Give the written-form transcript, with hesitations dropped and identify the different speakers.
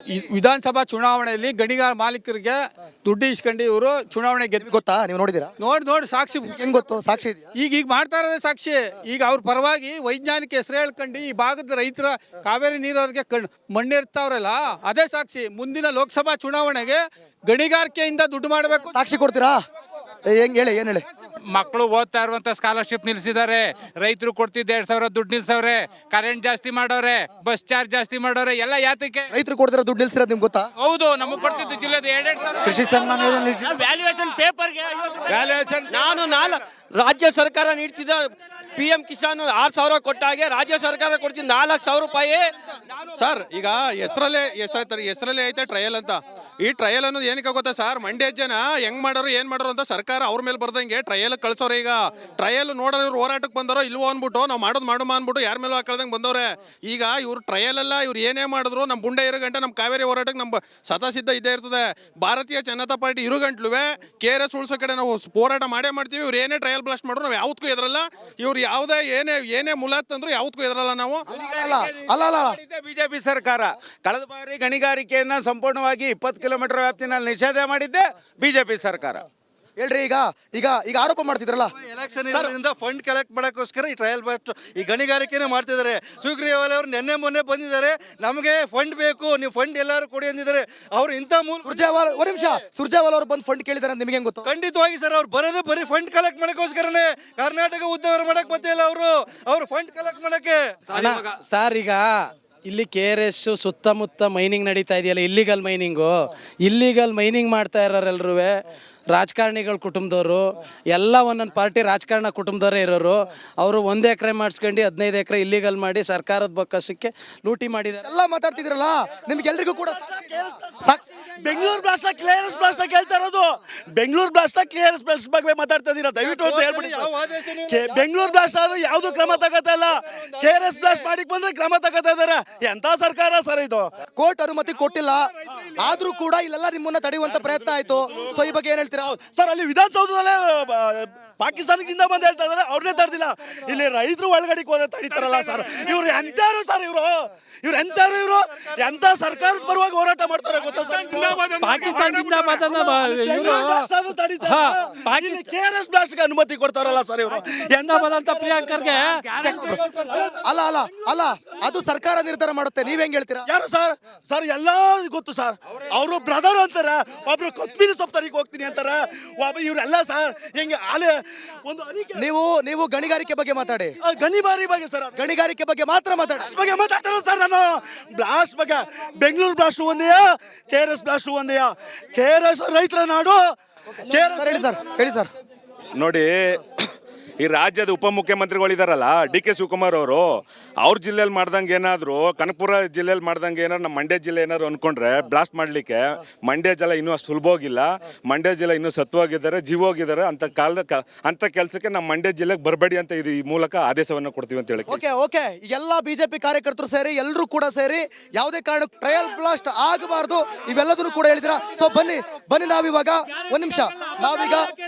Speaker 1: ವಿಧಾನಸಭಾ ಚುನಾವಣೆಯಲ್ಲಿ ಗಣಿಗಾರ ಮಾಲೀಕರಿಗೆ ದುಡ್ಡು ಇಸ್ಕೊಂಡು ಇವರು ಚುನಾವಣೆ ಗೆದ್ದು
Speaker 2: ಗೊತ್ತಾ ನೀವು ನೋಡಿದ್ದೀರಾ?
Speaker 1: ನೋಡಿ ಸಾಕ್ಷಿ
Speaker 2: ಹೆಂಗ್ ಗೊತ್ತು? ಸಾಕ್ಷಿ ಇದೆಯಾ?
Speaker 1: ಈಗ ಮಾಡ್ತಾ ಇರೋದೇ ಸಾಕ್ಷಿ. ಈಗ ಅವ್ರ ಪರವಾಗಿ ವೈಜ್ಞಾನಿಕ ಹೆಸರು ಹೇಳ್ಕೊಂಡು ಈ ಭಾಗದ ರೈತರ ಕಾವೇರಿ ನೀರವ್ರಿಗೆ ಮಣ್ಣಿರ್ತಾವ್ರಲ್ಲ ಅದೇ ಸಾಕ್ಷಿ. ಮುಂದಿನ ಲೋಕಸಭಾ ಚುನಾವಣೆಗೆ ಗಣಿಗಾರಿಕೆಯಿಂದ ದುಡ್ಡು ಮಾಡಬೇಕು.
Speaker 2: ಸಾಕ್ಷಿ ಕೊಡ್ತೀರಾ? ಹೆಂಗ್ ಹೇಳಿ, ಏನ್ ಹೇಳಿ?
Speaker 3: ಮಕ್ಕಳು ಓದ್ತಾ ಇರುವಂತ ಸ್ಕಾಲರ್ಶಿಪ್ ನಿಲ್ಸಿದ್ದಾರೆ, ರೈತರು ಕೊಡ್ತಿದ್ದ 2,000 ದುಡ್ಡು ನಿಲ್ಸವ್ರೆ, ಕರೆಂಟ್ ಜಾಸ್ತಿ ಮಾಡವ್ರೆ, ಬಸ್ ಚಾರ್ಜ್ ಜಾಸ್ತಿ ಮಾಡವ್ರೆ. ಎಲ್ಲ ಯಾತಕ್ಕೆ?
Speaker 2: ರೈತರು ಕೊಡ್ತಿರೋ ದುಡ್ಡು ನಿಲ್ಸಿರೋದು ನಿಮ್ಗೆ ಗೊತ್ತಾ?
Speaker 3: ಹೌದು, ನಮಗ್ ಕೊಡ್ತಿದ್ದು ಜಿಲ್ಲೆದ 2,000
Speaker 2: ಕೃಷಿ ಸನ್ಮಾನ ಯೋಜನೆ ನಿಲ್ಸಿ.
Speaker 4: ವ್ಯಾಲ್ಯೂಯೇಷನ್ ಪೇಪರ್ಗೆ ನಾನು ರಾಜ್ಯ ಸರ್ಕಾರ ನೀಡ್ತಿದ್ದ PM ಕಿಸಾನ್ 6,000 ಕೊಟ್ಟಾಗೆ ರಾಜ್ಯ ಸರ್ಕಾರ ಕೊಡ್ತಿದ್ದು 4,00,000 ರೂಪಾಯಿ.
Speaker 5: ಸರ್ ಈಗ ಹೆಸರಲ್ಲೇ ಐತೆ ಟ್ರಯಲ್ ಅಂತ. ಈ ಟ್ರಯಲ್ ಅನ್ನೋದು ಏನಕ್ಕೆ ಗೊತ್ತಾ ಸರ್? ಮಂಡ್ಯ ಜನ ಹೆಂಗ್ ಮಾಡೋರು ಏನ್ ಮಾಡೋರು ಅಂತ ಸರ್ಕಾರ ಅವ್ರ ಮೇಲೆ ಬರ್ದಂಗೆ ಟ್ರಯಲ್ ಕಳ್ಸೋರೆ. ಈಗ ಟ್ರಯಲ್ ನೋಡೋರು ಇವ್ರು ಹೋರಾಟಕ್ಕೆ ಬಂದರೋ ಇಲ್ವೋ ಅಂದ್ಬಿಟ್ಟು ನಾವು ಮಾಡೋದು ಅಂದ್ಬಿಟ್ಟು ಯಾರ ಮೇಲೂ ಹಾಕಳ್ದಂಗೆ ಬಂದವ್ರೆ. ಈಗ ಇವ್ರು ಟ್ರಯಲ್ ಅಲ್ಲ, ಇವ್ರು ಏನೇ ಮಾಡಿದ್ರು ನಮ್ಮ ಬುಂಡೆ ಇರೋ ಗಂಟೆ ನಮ್ಮ ಕಾವೇರಿ ಹೋರಾಟಕ್ಕೆ ನಮ್ಮ ಸದಾ ಇದ್ದೇ ಇರ್ತದೆ. ಭಾರತೀಯ ಜನತಾ ಪಾರ್ಟಿ ಇರು ಗಂಟ್ಲುವೆ KRS ಉಳ್ಸೋ ಕಡೆ ನಾವು ಹೋರಾಟ ಮಾಡೇ ಮಾಡ್ತೀವಿ. ಇವ್ರು ಏನೇ ಟ್ರಯಲ್ ಬ್ಲಾಸ್ಟ್ ಮಾಡಿದ್ರು ನಾವು ಯಾವತ್ತೂ ಎದ್ರಲ್ಲ. ಇವ್ರು ಯಾವುದೇ ಏನೇ ಮುಲಾತ್ ಅಂದ್ರು ಯಾವತ್ತೂ ಎದ್ರಲ್ಲ ನಾವು.
Speaker 2: ಅಲ್ಲ
Speaker 6: ಬಿಜೆಪಿ ಸರ್ಕಾರ ಕಳೆದ ಬಾರಿ ಗಣಿಗಾರಿಕೆಯನ್ನ ಸಂಪೂರ್ಣವಾಗಿ 20 ಕಿಲೋಮೀಟರ್ ವ್ಯಾಪ್ತಿನಲ್ಲಿ ನಿಷೇಧ ಮಾಡಿದ್ದೆ ಬಿಜೆಪಿ ಸರ್ಕಾರ.
Speaker 2: ಹೇಳ್ರಿ, ಈಗ ಆರೋಪ ಮಾಡ್ತಿದ್ರಲ್ಲ,
Speaker 7: ಎಲೆಕ್ಷನ್ ಫಂಡ್ ಕಲೆಕ್ಟ್ ಮಾಡಕ್ಕೋಸ್ಕರ ಈ ಟ್ರಯಲ್ ಬಾಸ್ಟ್ ಈ ಗಣಿಗಾರಿಕೆನೇ ಮಾಡ್ತಿದ್ದಾರೆ. ಸುಗ್ರೀವಾಲ್ ಅವರು ಮೊನ್ನೆ ಬಂದಿದ್ದಾರೆ, ನಮಗೆ ಫಂಡ್ ಬೇಕು, ನೀವು ಫಂಡ್ ಎಲ್ಲರೂ ಕೊಡಿ ಅಂದಿದ್ದಾರೆ. ಅವ್ರು ಇಂಥ
Speaker 2: ಸುರ್ಜೇವಾಲ್ ಒಂದು ನಿಮಿಷ, ಸುರ್ಜೇವಾಲ್ ಅವರು ಬಂದು ಫಂಡ್ ಕೇಳಿದಾರೆ ಅಂತ ನಿಮಗೆ ಹೆಂಗ್ ಗೊತ್ತು?
Speaker 7: ಖಂಡಿತವಾಗಿ ಸರ್, ಅವ್ರು ಬರೋದೇ ಬರೀ ಫಂಡ್ ಕಲೆಕ್ಟ್ ಮಾಡಕ್ಕೋಸ್ಕರನೇ. ಕರ್ನಾಟಕ ಉದ್ಯೋಗ ಮಾಡಕ್ ಬರ್ತಿಲ್ಲ ಅವರು ಫಂಡ್ ಕಲೆಕ್ಟ್ ಮಾಡಕ್ಕೆ.
Speaker 8: ಸರ್ ಈಗ ಇಲ್ಲಿ KRS ಸುತ್ತಮುತ್ತ ಮೈನಿಂಗ್ ನಡೀತಾ ಇದೆಯಲ್ಲ, ಇಲ್ಲಿಗಲ್ ಮೈನಿಂಗ್ ಮಾಡ್ತಾ ಇರೋರೆಲ್ಲರೂ ರಾಜಕಾರಣಿಗಳ ಕುಟುಂಬದವರು, ಎಲ್ಲ ಒಂದೊಂದು ಪಾರ್ಟಿ ರಾಜಕಾರಣ ಕುಟುಂಬದವರೇ ಇರೋರು. ಅವರು 1 ಎಕರೆ ಮಾಡಿಸ್ಕೊಂಡು 15 ಎಕರೆ ಇಲ್ಲಿಗಲ್ ಮಾಡಿ ಸರ್ಕಾರದ ಬೊಕ್ಕಸಕ್ಕೆ ಲೂಟಿ ಮಾಡಿದ್ದಾರೆ.
Speaker 2: ಎಲ್ಲ ಮಾತಾಡ್ತಿದ್ರಲ್ಲ, ನಿಮ್ಗೆಲ್ರಿಗೂ ಕೂಡ
Speaker 9: ಬೆಂಗಳೂರು ಬ್ಲಾಸ್ಟ್ ಕೇಳ್ತಾ ಇರೋದು. ಬೆಂಗಳೂರು ಬ್ಲಾಸ್ಟ್ KRS ಬ್ಲಾಸ್ಟ್ ಬಗ್ಗೆ ಮಾತಾಡ್ತಾ ಇದೀರಾ? ದಯವಿಟ್ಟು ಅಂತ ಹೇಳ್ಬಿಡಿ. ಬೆಂಗಳೂರು ಬ್ಲಾಸ್ಟ್ ಆದ್ರೆ ಯಾವ್ದು ಕ್ರಮ ತಗೋತಾ ಇಲ್ಲ, KRS ಬ್ಲಾಸ್ಟ್ ಮಾಡಿಕ್ ಬಂದ್ರೆ ಕ್ರಮ ತಗೋತಾ ಇದಾರೆ. ಎಂತ ಸರ್ಕಾರ ಸರ್ ಇದು?
Speaker 2: ಕೋರ್ಟ್ ಅನುಮತಿ ಕೊಟ್ಟಿಲ್ಲ, ಆದ್ರೂ ಕೂಡ ಇಲ್ಲೆಲ್ಲ ನಿಮ್ಮನ್ನ ತಡೆಯುವಂತ ಪ್ರಯತ್ನ ಆಯ್ತು. ಸೊ ಈ ಬಗ್ಗೆ ಏನ್ ಹೇಳ್ತೀರಾ?
Speaker 9: ಸರ್ ಅಲ್ಲಿ ವಿಧಾನಸೌಧದಲ್ಲೇ ಪಾಕಿಸ್ತಾನಕ್ಕೆ ಬಂದು ಹೇಳ್ತಾ ಇದಾರೆ, ಅವ್ರನ್ನೇ ತಡೆದಿಲ್ಲ. ಇಲ್ಲಿ ರೈತರು ಒಳಗಡೆಗೆ ಹೋದ್ರೆ ತಡೀತಾರಲ್ಲ ಸರ್. ಇವ್ರು ಎಂತಾರು ಸರ್, ಇವ್ರು ಎಂತ ಸರ್ಕಾರದ ಪರವಾಗಿ ಹೋರಾಟ ಮಾಡ್ತಾರೆ ಗೊತ್ತಾ ಸರ್? KRS ಬ್ಲಾಸ್ಟ್ಗೆ ಅನುಮತಿ ಕೊಡ್ತಾರಲ್ಲ ಸರ್ ಇವರು.
Speaker 4: ಪ್ರಿಯಾಂಕರ್ಗೆ
Speaker 2: ಅಲ್ಲ ಅದು ಸರ್ಕಾರ ನಿರ್ಧಾರ ಮಾಡುತ್ತೆ. ನೀವ್ ಹೆಂಗ್ ಹೇಳ್ತೀರಾ?
Speaker 9: ಯಾರು ಸರ್ ಎಲ್ಲ ಗೊತ್ತು ಸರ್. ಅವರು ಬ್ರದರ್ ಅಂತಾರೆ, ಒಬ್ರು ಕೊತ್ಮೀರಿ ಸೊಪ್ಪು ತರಕ್ಕೆ ಹೋಗ್ತೀನಿ ಅಂತಾರೆ, ಒಬ್ರು ಇವ್ರೆಲ್ಲ ಸರ್ ಹೆಂಗೆ ಆಲೆ ಒಂದು
Speaker 2: ನೀವು ಗಣಿಗಾರಿಕೆ ಬಗ್ಗೆ ಮಾತಾಡಿ.
Speaker 9: ಗಣಿಗಾರಿಕೆ ಬಗ್ಗೆ ಸರ್,
Speaker 2: ಗಣಿಗಾರಿಕೆ ಬಗ್ಗೆ ಮಾತ್ರ ಮಾತಾಡಿ.
Speaker 9: ಬಗ್ಗೆ ಮಾತಾಡ್ತಾರ ಸರ್. ನಾನು ಬ್ಲಾಸ್ಟ್ ಬಗ್ಗೆ, ಬೆಂಗಳೂರು ಬ್ಲಾಸ್ಟ್ ಒಂದೇ, KRS ಬ್ಲಾಸ್ಟ್ ಒಂದೇ. KRS ರೈತರ ನಾಡು.
Speaker 2: ಹೇಳಿ ಸರ್.
Speaker 6: ನೋಡಿ, ಈ ರಾಜ್ಯದ ಉಪಮುಖ್ಯಮಂತ್ರಿಗಳಿದಾರಲ್ಲ DK ಶಿವಕುಮಾರ್ ಅವರು, ಅವ್ರ ಜಿಲ್ಲೆಯಲ್ಲಿ ಮಾಡ್ದಂಗೆ ಏನಾದ್ರು, ಕನಕಪುರ ಜಿಲ್ಲೆಯಲ್ಲಿ ಮಾಡ್ದಂಗೆ ಏನಾದ್ರು ನಮ್ಮ ಮಂಡ್ಯ ಜಿಲ್ಲೆ ಏನಾದ್ರು ಅನ್ಕೊಂಡ್ರೆ ಬ್ಲಾಸ್ಟ್ ಮಾಡಲಿಕ್ಕೆ ಮಂಡ್ಯ ಜಲ ಇನ್ನೂ ಅಷ್ಟು ಸುಲಭ ಹೋಗಿಲ್ಲ. ಮಂಡ್ಯ ಜಿಲ್ಲೆ ಇನ್ನೂ ಸತ್ವವಾಗಿದ್ದಾರೆ, ಜೀವೋಗಿದ್ದಾರೆ. ಅಂತ ಕೆಲಸಕ್ಕೆ ನಮ್ಮ ಮಂಡ್ಯ ಜಿಲ್ಲೆಗೆ ಬರಬೇಡಿ ಅಂತ ಈ ಮೂಲಕ ಆದೇಶವನ್ನು ಕೊಡ್ತೀವಿ ಅಂತ ಹೇಳಿ.
Speaker 2: ಓಕೆ ಎಲ್ಲ ಬಿಜೆಪಿ ಕಾರ್ಯಕರ್ತರು ಸೇರಿ ಎಲ್ಲರೂ ಕೂಡ ಸೇರಿ ಯಾವುದೇ ಕಾರಣಕ್ಕೂ ಟ್ರಯಲ್ ಬ್ಲಾಸ್ಟ್ ಆಗಬಾರ್ದು, ಇವೆಲ್ಲದನ್ನು ಕೂಡ ಹೇಳಿದಿರಾ. ಸೊ ಬನ್ನಿ ನಾವಿವಾಗ ಒಂದ್ ನಿಮಿಷ, ನಾವೀಗ